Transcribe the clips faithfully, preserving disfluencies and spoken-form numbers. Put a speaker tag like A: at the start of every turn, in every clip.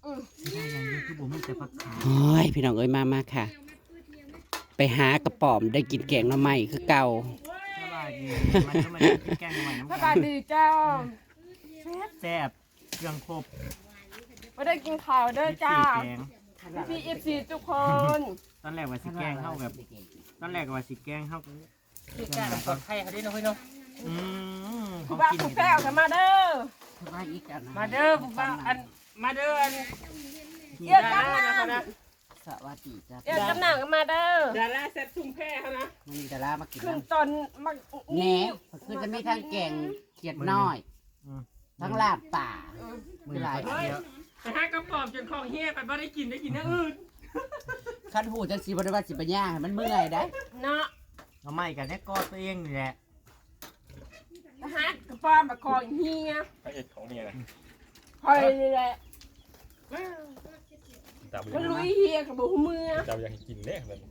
A: ได้ยังอยู่คือบ่มีแต่ผักขาว
B: โอ้ยพี่น้องเอ้ยมามาค่ะ ไปหากระป๋อมได้กินแกงหน่อไม้คือเก่า
A: สบายดีมันก็มากินแกงหน่อไม้น้ำ
C: ส
A: กัน
C: บายดีเจ้า
A: แซ่บเครื่องครบ
C: ไม่ได้กินข้าวเด้อจ้า
A: แกง
C: พี่เอฟซีทุกคน
A: ตอนแรกว่าสิแกงเข้าแบบตอนแรกว่าสิแกงเข้า
D: พี่กาปลอดภัยเขาได้น้อยเนาะ
A: อืม
C: ผู้บ้าผู้แก้วกันมาเด้อ
B: ว่าอีกอัน
D: มาเด้อผู้บ้าอันมาเด้ออัน
C: เอียดกำนัน
B: สวัสดีจ้า
C: เอียดกำนันกันมาเด้อ
D: ดาราเซ็ตซุ่มแพ้เขานะ
B: มันมีดารามากิน
C: ขึ้น
B: น้ำ
C: ตอนมา
B: แหน่คือจะมีทั้งแกงเขียดน้อย ทั้งลาบป่า
A: มือหลายเดียว
D: แต่ถ้ากระป๋อมจนของเฮียไปบ่ได้กินได้กินอย่างอื่น
B: คันหูจังสีบริวารสิปัญญาให้มันเมื่อยได้
C: เนาะ
A: เอาไม้กันเนี่ยก็ตัวเองนี่แหละ
C: ทหารกระป๋อมมาคอยเฮีย
E: พระเอกของเนี่ยนะ
C: คอยนี่แหละ
E: จับ
C: มันลุยเฮียกับบุ้มือ
E: จับยังกินเละเลย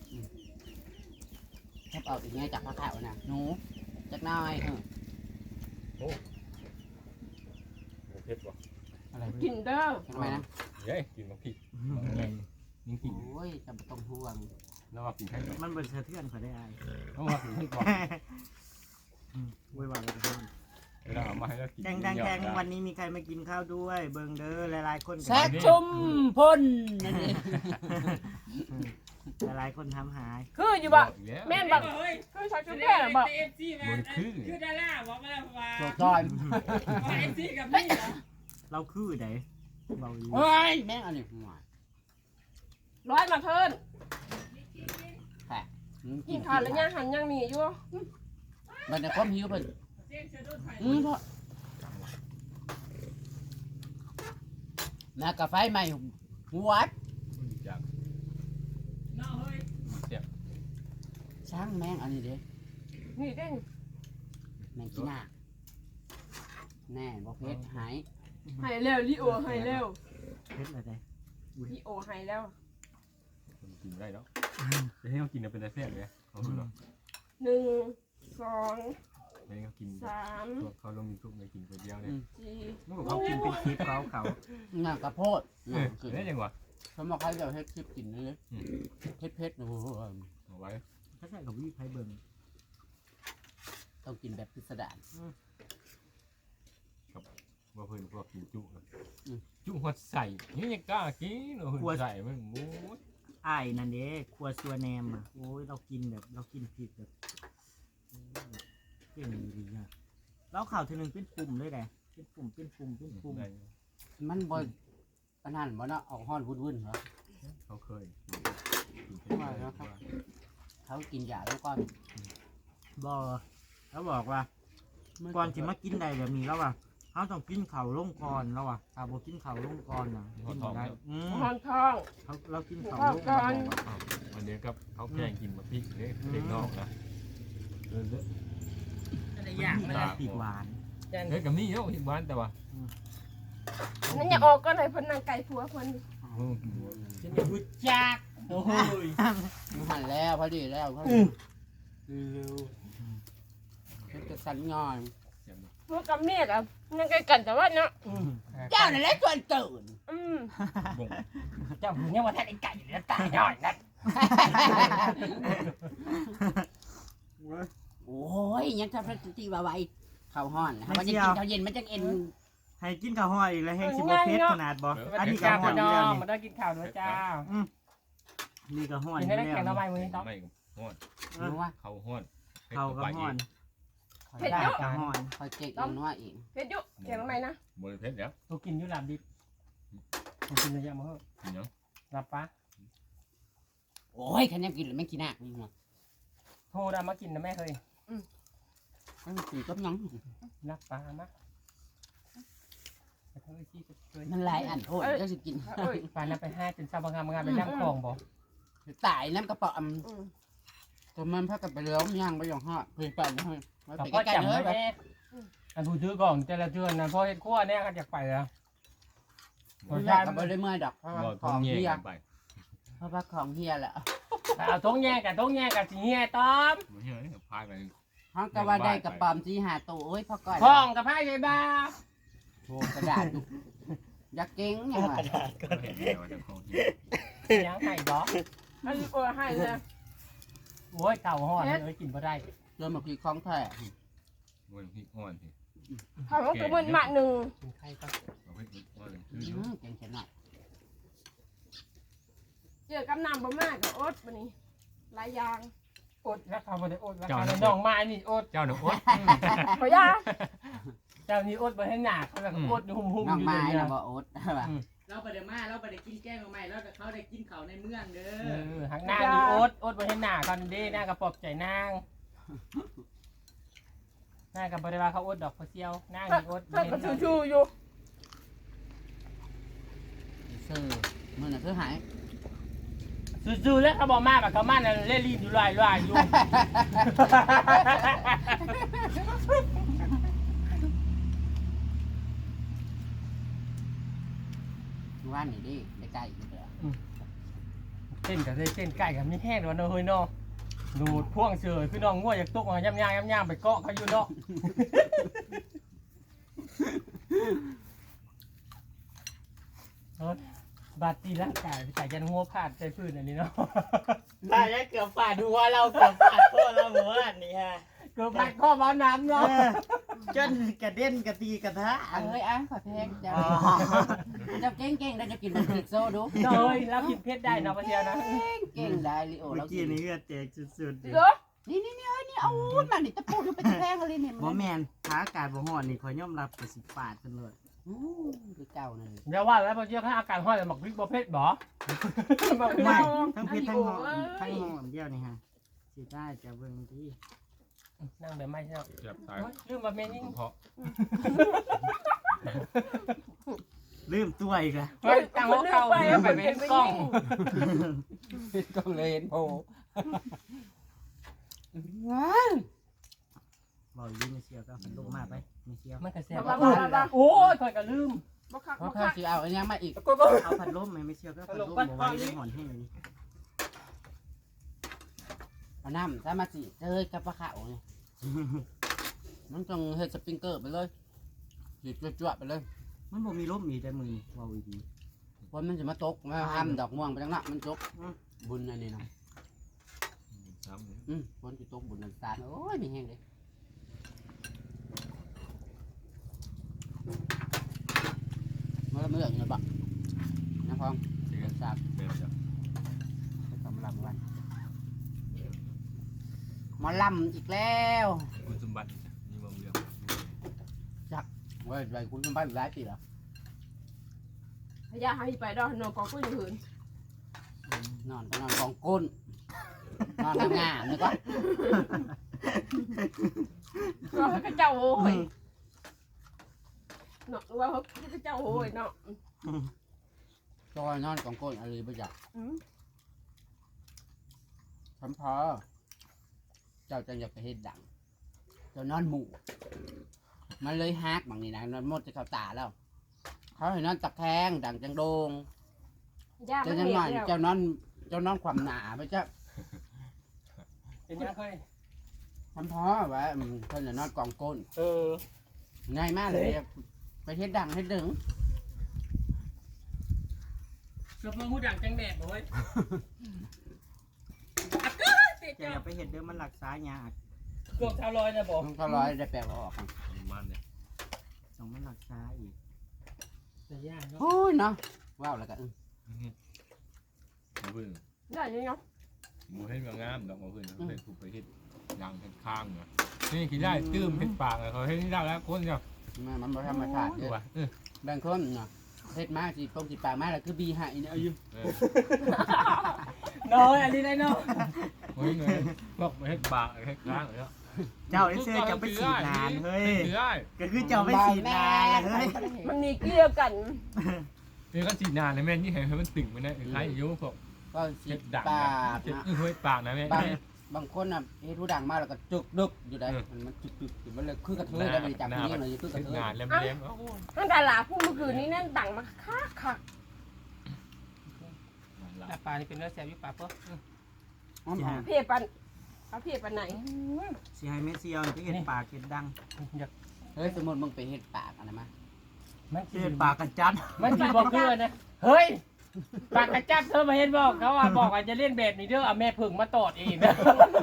B: แทบเอาอีกไงจากพระขาวน่ะหนูจักหน้อยเออ
E: โอ้โหเผ็ดว่ะ
B: อะไร
C: กินเด้อ
B: ทำไมนะ
E: เย้กินมาผิดยังกิน
B: โอ้ยจำต้องห่วง
E: แล้วว่ากินให้
A: มันเป็นสะเทือนเขาได้ไอ้
E: ต้องว่ากินให้ก่อน
A: วุ่นวายกันทุกคน
E: เวลาเอามาให้เรากิน
A: แดงแดงแดงวันนี้มีใครมากินข้าวด้วย เบิงเด้อหลายๆคน
B: แซกชุมพ่นนั่นเอง
A: หลายๆคนทำหาย
C: คืออยู่บ่แม่นบ่
D: เฮ้ย
C: คือชาวชุมแพร่บ่
D: เอฟซีมาคือดาราบอกมาแล้วว่า
B: ตัวจอย
D: เอฟซีกับนี่เหรอ
A: เราคือไหนเบาดี
B: เฮ้ยแม่งอันนี้หัว
C: ร้อยมาเพิ่น
B: แผล
C: กินข้าวแล้วย่างหันย่างหนีอยู่
B: มันจะความหิวเพิ่น
D: เสียงเสียงโดนไฟ
B: อืมเพราะมากาไฟใหม่หัว
E: จาก
D: เนาะเฮ้ย
E: เสียบ
B: ช่างแม่งอันนี้เด้
C: นี่เด้ง
B: แม่งขี้หน้าแน่บ่เพชรหาย
C: ให้แล้วลิโอให้แล้ว
A: เพชรอะไร
C: ลิโอให้แล้ว
E: กินได้แล้วจะให้เขากินเป็นอะไรแซ่บเลยเขาดูหรอ
C: หนึ่งสอง
E: ให้เขากิน
C: สาม
E: เขาลงยูทูบไปกินคนเดียวเนี่ย
C: สี่
A: เมื่อเขากินเป็นคลิปเขาเขา
B: งากระโพด
E: เออได้ยังวะ
B: เขาบอกให้เราเฮ็ดคลิปกินเลยเพชรเพชรโอ้โห
E: เอาไว้
A: ถ้าใช่กับวิไพเบิง
B: ต้องกินแบบพิสดาร
E: ว่าเพื่อนพวกกินจุจุหัวใส่นี่ยังกล้ากินหัวใส่มันโอ้ย
A: ไอ้นั่นเด้ครัวซัวแนมอ่ะโอ้ยเรากินแบบเรากินผิดแบบเก่งดีอ่ะเราข่าวทีนึงเป็นปุ่มเลยแหละเป็นปุ่มเป็นปุ่มเป็นปุ่ม
B: มันบ่ปานนั้นบ่เนาะออกฮ้อนวุ่นๆเหรอ
E: เขาเคย
B: เขากินยาแล้วก่อน
A: บอแล้วบอกว่าก่อนสิมากินใดแบบนี้แล้วว่ะเขาต้องกินเข่าวลงก่อนแล้วว่ะถ้าบ่กินเข่าวลงก่อนนะกินบ่ได้อืม
C: หอนทอง
A: เขาเรากินเข่าวลง
C: ก่
A: ก่
C: อ
A: อน น
E: วันนี้กับเขาแกงกินมาพริกเด็กนอกนะเออ
D: อะไรอย่าง
A: นี่
D: นะ
A: ก็ปีกหวาน
E: เฮ้ยกับนี่เนาะที่บ้านแต่ว่า
C: นั่นอย่าออกก็เลยเพิ่นนางไก่ผัวเพิ่น
D: ฉันอยากรู้จักโอ้ย
B: มันหันแล้วพอดีแล้วพอดีเร็วมันจะสั่นงอน
C: พวกกับเมียกับนางไก่กันแต่ว่าเนาะ
B: เจ้านั่นแหละชวนตื่น
C: อืม
D: เจ้าผู้เนี่ยว่าท่านไอ้ไก่อยู่แล้วตายหน่อยนะ
B: โอ้ยยังทำพระตีว่าไว้ข้าวห้อนมันจะกินข้าวเย็นมันจะเอ็น
A: ให้กินข้าวห้อยอีกแล้วแห้งสิบ่เผ็ดขนาดบ่อันนี้ก็
D: จ้า
A: ห้อย
D: พี่
A: อยู่
D: น้อ
A: แล้ว
D: ง
A: นี่
D: มาได้กินข้าวด้วยจ้า
A: นี่ก็ห้อยอ
D: กิน
A: ยู่
D: ได้
A: แล้ว
D: แข่งทำไมมือนี้ต้อง
E: ไม่ห้อน
B: รู้ว่า
E: เขาห้อน
A: เขาก็ห้อน
B: คอย
C: เผ็ด
B: ได้
C: เยอะ
A: ก็ห้อน
B: คอยเจ๊กอีกนัวอีก
C: เผ็ดเยอะเขียนทำไมนะ
E: บริเพชรแล้ว
D: ตัวกินอยู่หลับดิบตัวกินเยอะมาเฮ้ย
E: กินยัง
D: หลับปะ
B: โอ้ยคันยังกินหรือไม่กินหนักนี่หัว
D: โทรดามากินนะแม่เคย
B: มันกินก็ยัง
D: หลับปะมะเฮ้ยที่เคย
B: มันหลายอันโทษก็จะกิน
C: เอ้ย
D: ปานนั้นไปห้าจนซาบางงานไปย่างคลองบ่
B: ตายน้ำกระป๋อม
C: อืม
B: ตัวมันพักกันไปแล้วย่างไปอย่างห่อเพื่อนไปนะเฮ้ย
D: กับ
B: ไป
D: พ่อ
B: ใกล้
D: จำ
B: ๆเล
D: ไว้
B: ยแบบ
D: แม่อันผู้ถือกล่องแต่ละเดือนนะพ่อเฮ็ดขั้วเนี่ยก็อยากไปแล้ว
B: ไม่ได้กับไปเลยเมื่อยดอกเพราะว่า
E: บ่
B: ข
E: ท้อ
B: อง ง
E: แย่
B: เฮีย
E: ไป
B: เพราะว่าของเฮียแหละ
D: เอาท้องแย่กับท้องแย่กับสิเฮียต้อม
E: ไม่ใช่พายไป
B: ห้องกะว่าได้กระป๋อมที่หาตัวโอ้ยพ่อก่อน
D: พ้องกับไพ่ใช่บ้า
B: โอ้กระดาษดูอยากเก่งเนี่ยว่ะ
E: เห็นแล้วจะของที่
D: ยังไงบ่
C: มันโอ้ยให้เลย
D: โอ้ยเก่าห่อเลยกินบ่ได้
B: เริ่มมาพีคล้องแท้
E: บนพริกอ่อนสิ
C: ทำมันก็มันหมักหนึ่ง
D: กินไข่ก็
E: เอาพริกอ่อนเลย
B: อืมเก่งขนาด
C: เจอกับน้ำบะมากกับอดวันนี้หลายอย่าง
D: อดแล้วเขาบ่ได้อดแล้วเขาน้องมานี่อด
E: เจ้าหนูอด
C: ขอยา
D: เจ้านี่อดบ่ให้หนักเขาแบบอดหุ่มๆ
B: น้อง
D: อยู่
B: ไม้
D: เนี่ย
B: นะบ่อดว่ะ
F: เราไปเดี๋ยวมาเราไปเดี๋ยวกินแกงมาใหม่แล้วแต่เขาได้กินเขาในเมืองเด้
D: เอ
F: อ
D: อหักหน้านี่อดอดบ่ให้หนักก่อนเด้หน้ากระปอบใจนางหน้ากับ่ได้ว่าเขาอดดอกเขาเซียวนางนี่อด
C: เพิ่นก็ชูๆอยู่
B: ซื่อมือน่ะคือหาย
D: ซื่อๆแล้วเขาบอกมาแบบเขามาน่ะเล่นลิ้นอยู่ลอยๆอยู่
B: ว่านนี่ดิได้ใกล้อีกแล้ว
D: เต้นกับเต้นไก่กับมีแห้งวันเฮ้ยเนาะดูดพ่วงเฉยพี่น้องง่วอยากตกมาย่ำย่างย่ำย่างไปเกาะเขาอยู่เนาะบาดตีร่างกายไปใส่ยันหัวผาดใจพื้นอันนี้เนาะ
A: ตายแล้วเกือบฝาดหัวเราเกือบฝาดพ่อเราหมู่บ้านนี่ฮะ
D: เกือบพัดข้อบ้าน้ำเนาะ
A: จนกระเด็นกระตีกระทะ
B: เอ้ยอ่ะขอเพลงเจ้าเจ้าเก่งเก่งได้จะกินมันติดโซ่ดู
D: เลยแล้วกินเพชรได้เนาะพะเทียวนะ
B: เก่งได้ลิโอ
A: เมื่
B: เรา
A: อ
B: กิ
A: กี้
B: น
A: นี่เลือดแตกสุดๆ
C: เหรอ
B: นี่นี่นี่เอ้ยนี่เอามันนี่ตะปูดูเป็นแพงเลยเนี่ย
A: บ่แม่นถ้าอากาศบ่ร้อนนี่ขอยยอมรับก็สิฟาดเพิ่นเลย
B: อู้คือเก่าเลย
D: เดี๋ยวว่าแล้วพะเทียวถ้าอาการห้อยหมักพริกบ่เพชรบ่
A: ไม่ทั้งเผ็ดทั้งหอมทั้งหอมเดียวนี่ฮะสิได้จะเบิ่งที่
D: นั่งแบบไม่ใช่เนาะ
E: เจ็บตาย
D: ลืมมาเมนิ่ง
E: เพราะ
A: ลืมตัวอีกแล้ว
D: เฮ้ยตั้งหัวเก่าไปเป็นกล้อง
B: ก็เลยเห็นโผล่
A: บอกอยู่ไม่เชียวก็ลงมาไปไม่เชียว
D: มันกระแสโอ้ยคอยก็ลืม
C: บ่คัก
B: เพราะ
C: บ่
B: เขา
C: คัก
B: สิเอาอันนี้มาอีก
A: เอาพัดลมไหมไม่เชียวก็พัดลมบ่ไหว้ได้หอนแห้งนี่
B: เอาน้ำถ้ามาสิเอ้ยกับปลาขาวเนี่ยมันต้องเฮ็ดสปริงเกอร์ไปเลยหยิบจวดๆไปเลย
A: มันบ่มีลมอีกแต่มือนี่เว้าอีดี
B: เพราะมันจะมาตกมาทำดอกม่วงไปจังละมันตกบุญอันนี้เนาะ
E: ซ้ำเลย
B: อืมฝนจะตกบุญนันตาลโอ้ยมีแห้งเลยเมื่อเมื่ออย่างเงี้ยบักนะพอง
E: เสีย
B: เดินสาบ
E: เป็นจ้ะ
B: ไปทำลำวันหมอลำอีกแล้ว
E: คุณสมบัตินี่มาเมือง
B: เว้ยไปคุณเป็นบ้านหลายปีแล้ว
C: ขอยาให้ไปดอกนอนกองกุ้ยหืน
B: นอนก็นอนกองก้นนอนงามๆนึกว่า
C: ก็ให้กระเจ้าโอ้ยเนาะว่าเขากระเจ้าโอ้ยเนาะ
B: จอยนอนกองก้นอะไรไปจัก
C: อืม
B: ทำพอเจ้าจะอยากไปเฮ็ดดังเจ้านอนหมู่มันเลยฮักบางนี่นะนอนหมดจะเข้าตาแล้ว เขาให้นอนตะแคงดังจังโดง
C: ยามั
B: เจ้าน จัง
C: เห็
B: หน่อย
C: นแล้ว
B: เจ้านอนเจ้านอนความหนาไปจ้ะ
D: เป็นยังเคย
B: ทำพอว่าอืมเพิ่นจะนอนกองก้น
D: เออ
B: ง่ายมากเลยไปเฮ็ดดังเฮ็ดดึง
D: เกือบมาหูดังจังแดดเลย
A: จะอย่าไปเห็ดเด้อมันรักษายาก
D: เกือบชาวลอยนะบอก
B: มันก็ร้อยได้แปลว่าออกกัน
E: ประมาณเนี่ย
A: สองมันรักษาอีก
D: แต่ยากเนาะ
B: โอ้ยเนาะว้าวแล้วก็อึ้ง
E: มาเพิ่ง
C: ได้ยังเนาะ
E: หมูเห็ดงามดอกมาเพิ่งเขาเป็นผูกไปเห็ดยางเห็ดข้างเนาะนี่กินได้ตื้มเห็ดปากเขาเห็ดนี่ได้แล้วคนเดียว
B: มันมันบ่ธรรมชาติ
E: ดู
B: เด้อ
E: ว่ะเออบ
B: างคนเนาะเฮ็ดมาสิตรงสิปากมาแล้วคือบีให้เนี่ยเอาอยู่
E: เออ
D: น้อยอันนี้ได้เนาะ
E: เฮ้ยเงยบอกเห็ดปากเห็ดข้างเลยเนาะ
A: เจ้าไอ้เสื้อจะไปฉีดนานเฮ้ย
E: ฉีดได้
A: ก็คือเจ้าไปฉีดนานเฮ้ย
C: มันมีเกลี่ยวกัน
E: นี่ก็ฉีดนานเลยแม่นี่เห็นมันติ่งไปนะใครอายุพวก
B: ก็สิ
E: เห็ดดัง
B: ปาก
E: เห็ด
B: นะ
E: อื้อเฮ้ยปากนะแม่
B: บางบางคนน่ะเฮ็ดผู้ดังมาแล้วก็จุกดึกอยู่ได้มันมันจุกดึกอยู่มันเลยคือกระเทยได้ไปจับที่นี่เลยคือกระ
E: เห็ด
B: เทย
E: งานแหลมๆโอ้โห
C: ตั้งแต่หลาพูดเมื่อคืนนี้นั่นดังมาคักคัก
D: แต่ปลานี่เป็นเนื้อแซ่บอยู่ปลาเพิ่ม
B: หอม
A: สิ
B: หอ
A: ฮะ
B: ม
C: เพียปันเอาเพียปันไหน
A: สิให้เมสเซียวไปเห็ดปากเห็ดดัง
D: อยาก
B: เฮ้ยสมมุติมึงไปเฮ็ดปากอันนั้นมา
D: มัน
A: เจอปลากระจัด
D: มันสิบอกคือนะเฮ้ยปากกระจับเธอมาเห็นบอกเขาว่าบอกว่าจะเล่นแบบนี้เด้อเอาแม่ผึ่งมาตอดเองนะ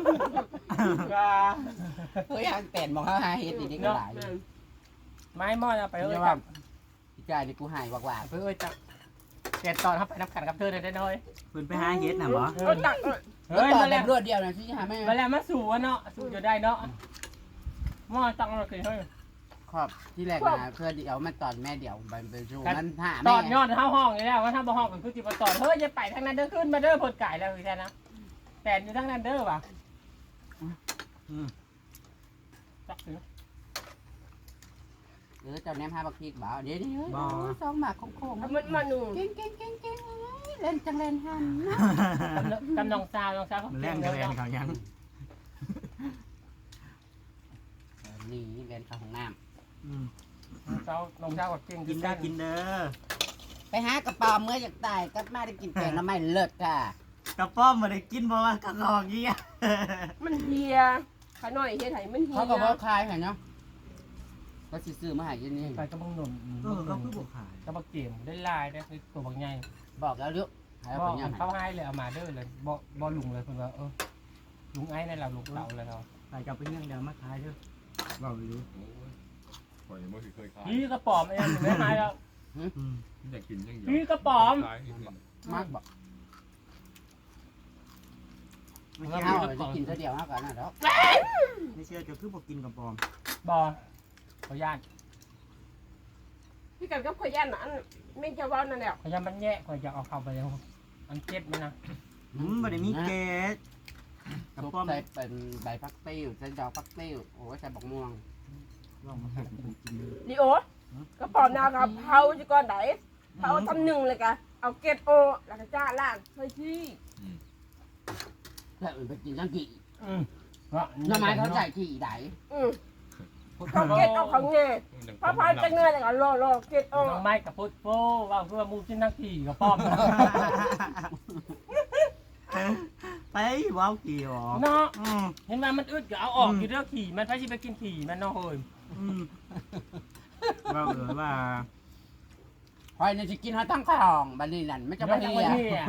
B: เฮ้ยอันแต่นมองเขาหาเฮ็ดนี่นี่ก็หลาย
D: ไม้มอดเอาไปเอ้ย
B: เรียก
D: จั
B: ว่า
D: บ
B: พี่กายนี่กูหายกว่า
D: เอ้ยจับแกตอนเข้าไปนับขันกับเธอได้น้อย
A: เพิ่นไปหาเฮ็ดน่ะบ่
C: ก็ตักเออ
B: ๆ
D: เฮ้ย
B: ต่อ
D: มา
B: แบ
D: แล้ว
B: บรวดเดียวนะที่หาแม่
D: มาแล้วมาสู่อะเนาะสู่จะได้เนาะมอตั้งเราเคยเฮ้ย
B: ขอบที่แรกนะเพื่อเดี๋ยวมันตอนแม่เดี๋ยวไปไปชูมันหา
D: ต
B: แม่
D: อนยอดเท้าห้องนี่แล้วว่าถ้าบ่ห้องเป็นคือจิบตอนเฮ้ยจะไปทางนั้นเด้อขึ้นมาเด้อผลไก่แล้วคือแค่นะแต่อยู่ทางนั้นเด้อว่ะ
A: อืม
D: จักถึง
B: เออเจ้าแนมหาบักพริกบ่าวเดี๋ยวนี้สองหมากโค้ง
C: มันมาหนู
B: เก่งเก่งเก่งเก่งเล่นจังเล่นหันนะ
D: กำนองซาวน้องซาวเขา
A: มันแรงจะแรงเขายัง
B: นี่เล่นข้าวของน้
A: อืม
D: ซาวน้องซาวกับเก่ง
A: กินได้กินเด้อ
B: ำไปหากระป๋อมเมื่ออยากตายก็มาได้กินแกงน้ำไม่เลิศค่ะ
A: กระป้อมบ่ได้กินบ่ว่ากระรอกเงี้ย
C: มันเฮียขาหน่อยเฮียไถมันเฮีย
B: เขาก็ว่าคลายเห็นเนาะก็สิซื้อมาใหาเย็นนี่
D: ไปกระบังหนุ่ม
A: เออเขาคือบ่ขาย
D: กระบังเกมได้ลายได้ตัวบางใหญ่
B: บอกแล้วลูกให้
D: บ
B: เอา
D: อก
B: ไปยัง
D: เขาให้เลยเอามาเด้อเลยบ่บ่ลุงเลยเพิ่นว่าเออลุงไอ้นั่นแหละลุงเต่าเลยเนาะ
A: ไปกับเป็นยังเดี๋ยวมาขายเด้อเว้าอยู่
E: โอ้ยข่อยยังไม่เคยขาย
D: พี่กระป๋อมไอ้นั่นไม่ให้แล้ว
A: อืม
E: อยากกินยังเดียว
D: พี่กระป๋อม
E: ขายอีกนิด
B: มากบอก
A: ไม่
B: เอา
A: เชื่อ
B: จะกินเท่าเดียวมากกว่านั้นแล้ว
A: ไม่เชื่อจะคือบ่กินกระป้อม
D: บ่ขอย่าน
C: พี่กันก็พยันอันไม่จะว่านั่นแหละ
D: ขอย่านมันแย่ขอยอยากเอาเข้าไปแล้วอันเจ็บมันนะ
A: อืมบ่ได้มีเกสกระ
B: ซุป
A: ป้อม
B: ใส่เป็นใบพักติ้วใส่ดอกพักติ้วโอ้ยใส่บักม่วง
A: ลองมาเฮ็ดให้กินดู
C: ดิโอก็ปอมนากับเผาจะก่อนไหนเผาทำหนึ่งเลยกะเอาเกล็ดโอแล้วก็จ้าล่างเฮ้ยที่
B: แล้วอื่นไปกินทั้งกี่
D: อืมเนาะ
B: น้ำไม้เขาใส่กี่ไหน
C: อืมเอาเกล็ดเอาของเงยพอพายจะเงยเลยก็รอรอเกล็ดโอ
D: น้องไม้กับพุทธโฟว่าเพื่อมูกินนักขี่กับป้อม
A: ไปว้าวกี่หรอ
D: เนาะ
A: อืม
D: เห็นว่ามันอึดก็เอาออกอยู่เด้อขี่มันไปสิไปกินขี่มันเนาะเฮ้ย
A: อืมว่าเออว่า
B: คอยเนี่ยจะกินเขาตั้งข้าวบันนี้นั่นไม่จะไป
D: เดี๋ยว
B: เรีย
D: จะไป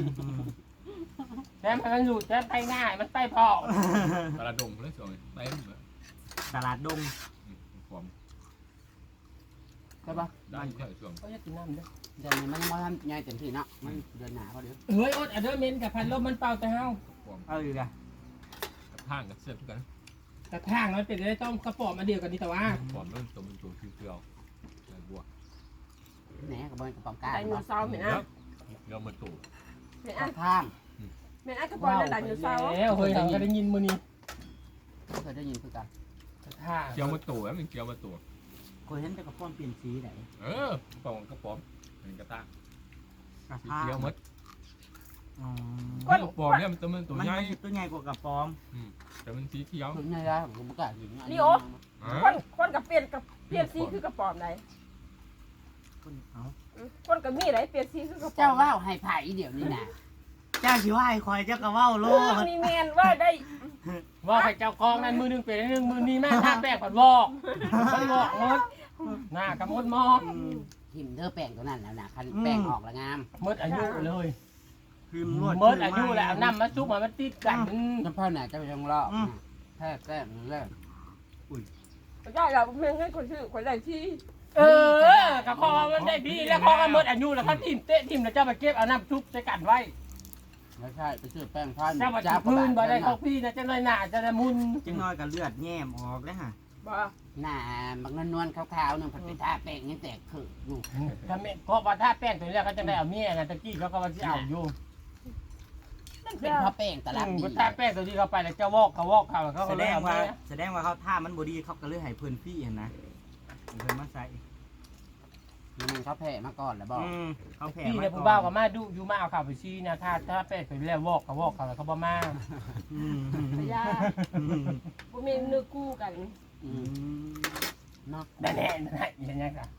D: แต่มันอยู่แต่ไปง่ายมันไปพอ
E: ตลาดดงเลยสวยเต็มเลย
A: ตลาดดง
E: ความ
B: ใช่ปะ
E: ได้แค่ช่วง
D: เขาจะกินน้ำเด้อ
B: เดี๋ยวนี้มันยังไม่ทำใหญ่เต็มที่เนาะมันเดือนหนาพอดี
D: เฮ้ยอดอันเดอร์เมนกับพันลมมันเป่าแต่เฮา
E: ความ
A: เอาอีกอะ
E: กับทางกับเสื้อทุกกัน
D: แต่ทางมันเป็นได้ต้องกระป๋อมาเดียวกันนี่แต่ว่า
E: ความเริ่มตัวเป็นตัวคิวเกลียวใส่บัว
B: แหนกับบอลกระป๋องกา
C: ไดโนเสาร์เหม็นอ่ะ
E: เดี๋ยวมาตู่
C: เหม็นอ่ะ
B: ข้าง
C: เหม็นอ่ะกระป๋องไดโนเสาร์
D: แล้วเฮ้ยเราก็ได้ยินมือนี้
B: เคยได้ยินคือกัน
D: ทาง
E: เกียวมาตู่แล้วมันเกียวมาตู่
A: เคยเห็นแต่กระป้อมเปลี่ยนสีไหน
E: เออปองกระป๋อมเป็นกระตาก
A: กระ
E: สี
A: ทะ
E: เขียวมด
A: อ๋อ
E: กระป๋อมเนี่ยมันตัวมันตัว
A: มัน
E: ใหญ่
A: ตัวใหญ่กว่ากระป้อม
E: แต่มันสีเขียว
B: ถึงไงล่ะผมก็กล้ากิน
C: คนคนกับเปลี่ยนกับเปลี่ยนสีคือกระป๋อมไหน
A: คนเอา
C: คนกับมีไหนเปลี่ยนสีคือกระป๋อม
B: เจ้าว่าให้ไผ่เดี๋ยวนี้นะ
A: เจ้าชิว่าให้คอยเจ้ากระเว้าโล
C: เออ
A: ด
C: นี่แมนว่าได้
D: ว่าใครเจ้ากองนั้นมือนึงเป็นนึงมือนี้แม่ทาแป้งผัดวอกมันวอกมดหน้ากระมดมอก
A: อืม
B: ทิมเธอแป้งตัวนั้นแล้วนะคันแป้งออกแล้วงาม
D: มดอายุเลย
A: พิมพ์รวด
D: มดอายุแล้วน้ำมาซุกมามันติดกัน
B: น้ำพ่อไหนจะไปยังรอบแท้แป้งนั่นแหละ
C: ได้เราแม่งให้คนชื่อคนได้ที่
D: เออกระพอมันได้พี่แล้วพอมันมดอายุแล้วเขาทิมเตะทิมแล้วเจ้าไปเก็บเอาน้ำซุปใส่กันไว้
B: ไม่ใช่ไปซื้อแป้งพัน
D: เจ้ามาจับพื้นบ่ได้เขาพี่นะจะน้อยหนาจะได้มุน
A: จังน้อยกับเลือดแย้มออกแล้วฮะ
C: บ่
B: หน้าบางนวลๆขาวๆนึงผัดไปทาแป้งยังแตกคืออยู่
D: ถ้าแม่ก็ว่าถ้าแป้งตัวนี้เขาจะได้เอาเมียนะตะกี้เขาก็ว่าจะเอาอยู่
B: มันเป็นเพราะแป้งตลาดดี
D: ถ้าแป้งตัวนี้เขาไปแล้วเจ้าวอกเขาวอกเขาเขา
A: แส
D: ก็
A: ด
D: เลย
A: ง
D: เอา
A: ว่า
D: เมีย
A: แสดงว่าเขาท่ามันบดีเขาก็เลยให้เพิ่นพี่เห็นนะให้เพิ่นมาใส่
B: มันเขาแผ่มาก่อนแล้วบอก
A: อืมเขาแผ่
D: พี่
A: มา
D: เนี่ยผู้บ่าวก็มาดูอยู่มาเอาข่าวไปชี้นะถ้าถ้าแป้งตัวนี้แล้ววอกเขาวอกเขาแล้วเขาบ่มา
A: อืม
C: พยา
A: อืม
C: บ่มีเนื้อคู่กัน
B: อื
A: อื
B: ม
A: ม
B: เนาะ
D: แน่แน่แน่ยังไงกัน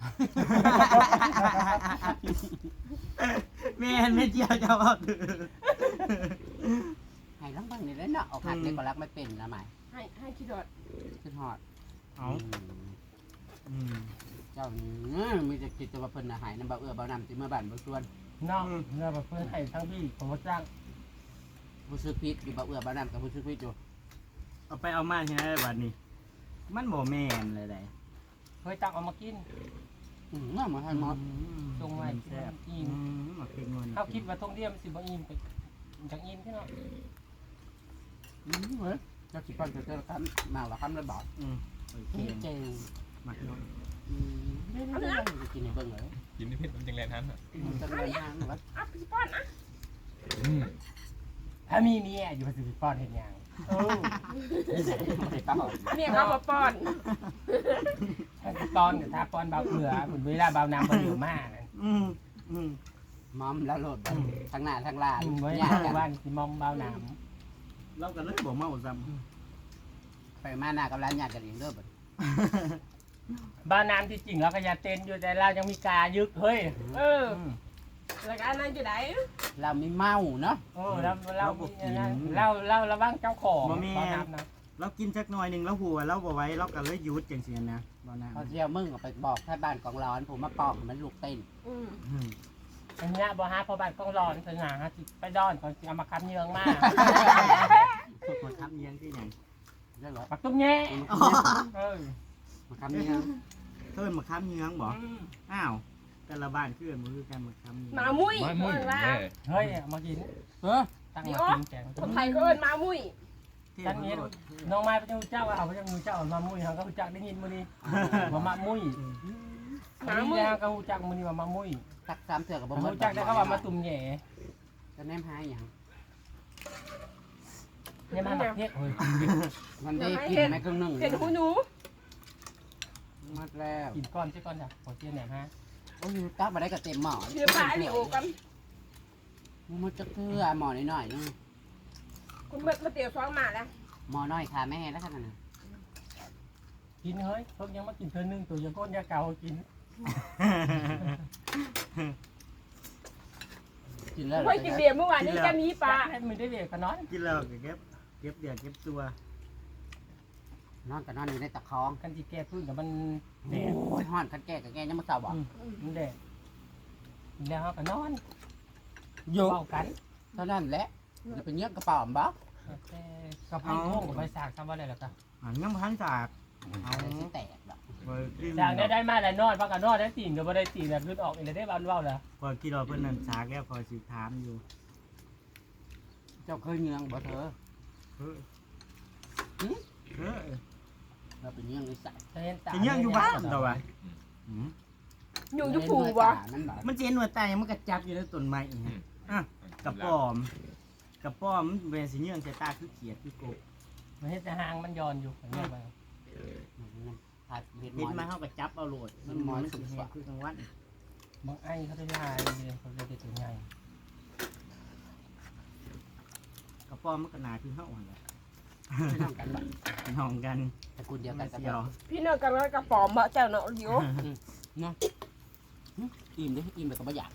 A: แม่นไม่เจียวจะเอาถือ
B: ให้ลังบ้างนี่แล้วเนาะเอาผักเด็กก็รักไม่เป็นนะหมาย
C: ให้ให้คิดดอด
B: ขึ้นหอด
A: เอาอืม
B: เจ้านี่มีแต่คิดแต่ว่าเพิ่นน่ะหายน้ำบ่เอื้อบ่นำสิมาบ้านบ่ชวน
D: น้องเราแบบเพื่อนให้ทั้งพี่ผมก็จ้าง
B: ผู้ซื้อพิษอยู่บ่เอื้อบ่นำกับผู้ซื้อพิษอยู่
A: เอาไปเอามาที่ไหนบัดนี้ มันบ่แม่นเลยได้
D: เคยตักเอามากิน
B: อืมมาให้หมด
D: ตรงไว้
A: แซ่บ
D: อิ่
A: อื
D: ม
A: มมาเป็นงอน
D: เขาคิดว่าตรงเดียวมันสิบ่อิ่มไปจังอิ่มที่เนาะ
B: อืมเว้ยเจ้าสิปันจะเจอกันมาละคำเลยบอก
A: อืมโอเค
B: เจ๋ง
A: มักน้อย
B: อืมเดี๋ยวๆๆกินให้เบิ่งเลย
E: กินที่เพชรมันจังแรงทันอ่ะ
B: มันจะเป็นทางวัด
C: อ่ะพี่ป้อนอ่ะ
E: อืม
D: ถ้ามีเมียอยู่ภาษีป้อนเห็นยังเออ
B: ไปป้าบอก
C: เนี่ยเขามาป้อน
D: ถ้าสิป้อนกับถ้าป้อนเบาเอือเหมือนเวลาเบาน้ำเบาเหลือมากนะ
A: อืมอืม
B: มอมแล้วโหลดไปทางหน้าทางล่าง
D: อืมไว้
B: ยากกัน
D: บ้านสิมอมเบาน้
A: เราก็เลยบ่เมาซ้ำ
B: ไปมาหน้ากับร้านยากกันเองเด้อบัด
D: ำเบาน้ำที่จริงเราก็อยาเต้นอยู่แต่เรายังมีกายึกเฮ้ย
C: เออแล้วก็อันนั้นอยู่ไหน
B: เราไม่เมาเนาะ
D: โอ้เราเราเราเราระวังเจ้าของเบาน้ำนะ
A: เรากินจักหน่อยหนึงแล้วหัวเราบ่ไหว้เราก็เลยหยุดจังซี่นะบ่น่า
B: พอเที่ยวมึงก็ไปบอกให้บ้านกองร้อนผมมาปอกให้มันลูกเต้น
C: อืม
A: อืม
D: อันเนี้ยบ่ฮะพอบ้านกล้องร้อนสง่าฮะสิไปดอนก่อนสิเอามาคับเยืองมาก
A: มาทำเยียงที่หยัง
B: เรื่องเหรอ
D: ปักตุ้มแง่เออ
B: มาคำนี้
A: เพิ่นมาค้ำเยืองบ่อ้าวแต่ละบ้านคือมันคือกันมาค้ำเยือง
C: หมามุ้ย
E: ไม่มุ่ย
C: เอิ้นว่า
E: แม่
D: เฮ้ยเอามากิน
B: เออ
D: ตั้งมากินแกง
C: คนไทยก็เอิ้นหมามุ้ย
D: ตั้งนี้น้องไม้พระเจ้าเจ้าเอาพระเจ้าเจ้ามามุ้ยเขาก็รู้จักได้ยินมื้อนี้ว่ามามุ้ย
C: ห
D: อัน
C: มา
D: นี้
C: มุ้ย
D: ยังก็รู้จักมื้อนี้ว่ามามุ้ย
B: ตักสามเถื่อกับบ่
D: ผม
B: หมด
D: รู้จักได้เขาว่ามาตุ่มแหย่
B: จะแนมหาอย่าง
D: เนี่ยมันหนักเฮ็ดเฮ้ย
B: มันได้กินไหมครึ่งหนึ่ง
C: เห็นหูหนู
B: หมดแล้ว
D: กินก้อนใช่ก้อนจ้ะขอเจียนแหนมฮะ
B: โอ้ยตักมาได้กับเต็มหม้อ
C: เดี๋ยวพาอันนี้โอกัน
B: มันจะเกลือหม้อนิดหน่อยนึง
C: คุณเบิดมาเตี๋ยวซองมาแล้ว
B: หม้อน้อยค่ะแม่แล้วขนาดนั้น
D: กินเฮ้ยเพิ่งยังมากินเธอนึงตัวยังก้นยาเก่ากิน
B: กินแล้ว
C: เฮ้ยกินเบียร์เมื่อวานนี้แกมีปลา
D: ให้มันได้เด็กขน้อย
A: กินแล้วก็เก็บเก็บเดือดเก็บตัว
B: นอนกับนอนอยู่ในตะคอง
D: กันที่แก้พื้นกับมัน
B: โอ
D: แดด้
B: ยห่อนกันแก่กับแก่ยังมาเศร้าบ่
D: มันแดดแล้วเขาก็นอน
B: อยู่
D: เป่ากัน
B: เท่านั้นแหละจะเป็นเงี้ยกระเป๋าบ่
D: แต่กระเพราโค้งกับใบสากทำว่าอะไรล่ะก็
A: อ่ายังบ่ทันสาก
B: เอาสิแตกดอก
A: บ่กิน
D: จากได้ได้มาแล้วนอนพักกันนอนได้ตีนก็บ่ได้ตีนแล้วขึ้นออกอีกแล้วได้บ้านเว้าแล้ว
A: พอคิดว่าเพิ่นนั่นสากแล้วพอสิถามอยู่
B: เจ้าเคยเงี้ยงบ่เธอ
A: เฮ้ยเออ
B: เราเป็นเงี้ยงในสาย
D: จะเห็นตา
A: สิยังอยู่บ้านตัววะอืม
C: อยู่อยู่ผูวะ
B: มันบ่
A: มันสิเห็นว่าตายมันก็จับอยู่ในต้นไม้อีกอ่ะกระป๋อมกระป๋อมมันเป็นสิเยื่องใส่ตาคือเขียดคือกบ
D: มันเห็นแต่หางมันย้อนอยู่เห็นไหม
B: ผัดเห็ดห
A: เห็น
B: ม
A: มา
B: อน
A: เฮาก็จับเอาโลดมันมันสิแห้งคือกลางวัน
D: บางไอ้เขาได้ลายเลยเขาเลยได้ตัวใหญ่
A: กระป๋อมมันก็หนาคือเฮาหั่นแหละ
B: ไม่ต้องกันบ่
A: น้องกัน
B: ตระกูลเดียวกั
A: กัน น
B: กับ
A: เสียว
C: พี่เนยกันแล้วกระป๋อมบะเจ้าเนาะเดี๋ยว
B: อิ่มดิอิ่มแบบก็บ่อยาก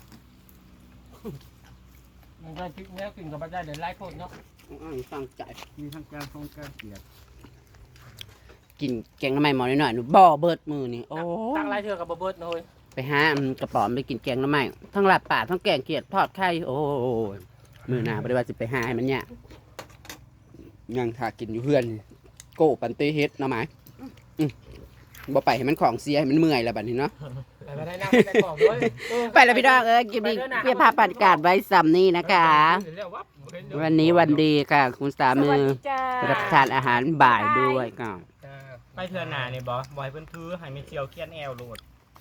D: มันก็พริกเนี้ยกินกับปลาได้เดี๋ยวไล่โคตรเนาะ
B: อ้าวตั้งใจ
A: มีทั้งการทรงการเขียด
B: กินแกงน้ำมันหมอนิดหน่อยหนูบ่อเบิดมือนี่โอ้
D: ตั้งไล่เถื่อกับเบิร์ดเลย
B: ไปหาอันกระป๋อมไปกินแกงน้ำมันทั้งหลับป่าทั้งแกงเขียดทอดไข่โอ้ยมือหนาบริวารสิไปหาให้มันเนี่ยยังถ้ากินอยู่เพื่อนนี่โก้ปันเตเฮ็ดเนาะไหมอืมบ่ไปให้มันของเสียให้มันเมื่อยแล้วบัดนี้เนาะ
D: ไปไม่ได้นั่งไม่ได้บอกด้วย
B: ไปแล้วพี่น้องเอ้ยกินดีเพียภาพบรรยากาศไว้ซ้ำนี่นะคะ วันนี้วันดีค่ะ คุณสา
C: ส
B: มี
C: วัสดีจ้า
B: รับประทานอาหารบ่ายด้วยก็
A: ไปเทื่อหน้านี่บ่บ่ให้เพิ่นถือให้มีเสียวเคียนแอวโลด